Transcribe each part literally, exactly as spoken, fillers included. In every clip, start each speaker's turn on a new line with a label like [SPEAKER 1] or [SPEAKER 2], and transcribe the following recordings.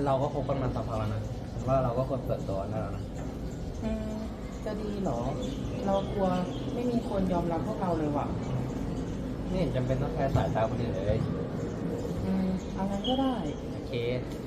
[SPEAKER 1] เราก็คบกันมาสักพักแล้วนะว่าเราก็ควรเปิดตัวได้แล้วนะ
[SPEAKER 2] อืมจะดีเหรอ เรากลัวไม่มีคนยอมรับพวกเราเลยว่ะ
[SPEAKER 1] ไม่เห็นจำเป็นต้องแคร์สายตาคนอื่นเลย
[SPEAKER 2] อืมเอางั้นก็ได้
[SPEAKER 1] โอเค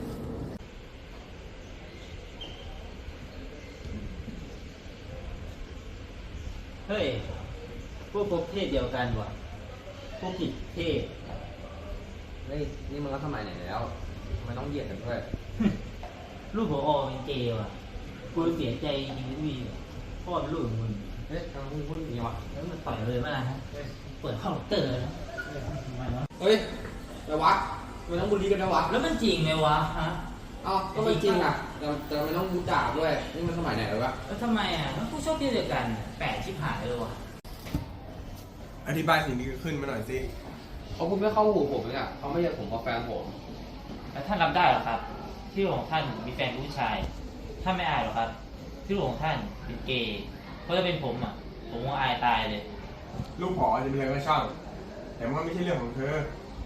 [SPEAKER 3] เฮ้ย พวกพบเพศเดียวกันว่ะ พวกผิดเพศ
[SPEAKER 1] เฮ้ยนี่มันก็สมัยไหนแล้วทำไมต้องเหยียดกันด้วย
[SPEAKER 3] ลูกผอเป็นเกย์ว่ะกูเสียใจจริงๆพี่พ่อเป็นลูกของมึง
[SPEAKER 1] เฮ้ยทำไมมึงพูดอย่างนี้วะ
[SPEAKER 3] แล้วมันต่อยเลยมาฮะเปิดห้องเตอร์นะทำไมวะ
[SPEAKER 1] เฮ้ยแต่วะมันต้องบูลลี่กันนะวะ
[SPEAKER 3] แล้วมันจริงไหมวะฮะ
[SPEAKER 1] เอ้าก็มันจริงอ่ะแต่แต่มันต้องบูจ่าด้วยนี่มันสมัยไหนแล้ววะ
[SPEAKER 3] แล้วทำไมอ่ะมันกูชอบเพศเดียวกัน แปลกชิบหายเลยวะ
[SPEAKER 4] อธิบายสิ่งที่เกิดขึ้นมาหน่อยสิ
[SPEAKER 1] เขาพูดไม่เข้าหูผมเลยอ่ะเขาไม่ใช่ผมกับแฟนผม
[SPEAKER 3] แล้วท่านรับได้เหรอครับ ที่ลูกของท่านมีแฟนเป็นผู้ชาย ท่านไม่อายหรอครับ ที่ลูกของท่านเป็นเกย์เพราะถ้าเป็นผมอ่ะ ผมก็อายตายเลย
[SPEAKER 4] ลูกผอจะเป็นอะไรก็ช่างแต่มันก็ไม่ใช่เรื่องของเธอ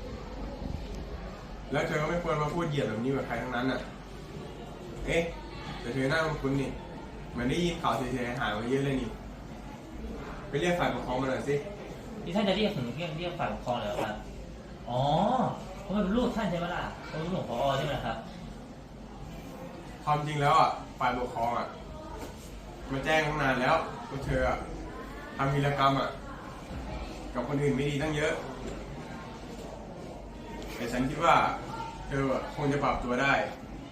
[SPEAKER 4] แล้วเธอก็ไม่ควรมาพูดเหยียดแบบนี้กับใครทั้งนั้นอ่ะ เอ๊ะแต่เธอหน้ามันคุ้นนี่เหมือนได้ยินข่าวเสียหายมาเยอะเลยนี่ไปเรียกฝ่ายปกครองมาหน่อยสิ
[SPEAKER 3] ที่ท่านจะเรียกถึงเรียกเรียกฝ่ายปกครองเลยเหรอครับ อ๋อเพราะมันเป็นลูกท่านใช่ไหมล่ะเป็นลูกของผอใช่ไหมครับ
[SPEAKER 4] ความจริงแล้วอ่ะฝ่ายปกครองอ่ะมาแจ้งตั้งนานแล้วว่าเธออ่ะทำวีรกรรมอ่ะกับคนอื่นไม่ดีตั้งเยอะ แต่ฉันคิดว่าเธออ่ะคงจะปรับตัวได้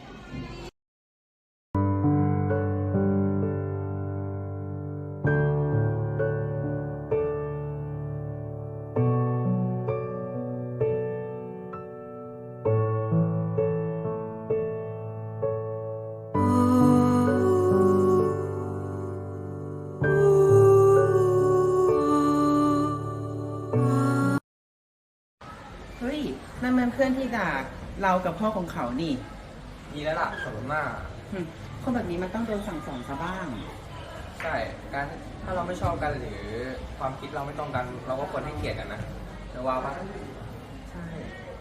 [SPEAKER 2] เฮ้ยนั่นมันเพื่อนที่ด่าเรากับพ่อของเขานี่
[SPEAKER 1] ดีแล้วล่ะสมมติ
[SPEAKER 2] หึคนแบบนี้มันต้องโดนสั่งสอนซะบ้าง
[SPEAKER 1] ใช่การถ้าเราไม่ชอบกันหรือความคิดเราไม่ตรงกัน เราก็ควรให้เกียรติกันนะจะว่าปะ
[SPEAKER 2] ใช่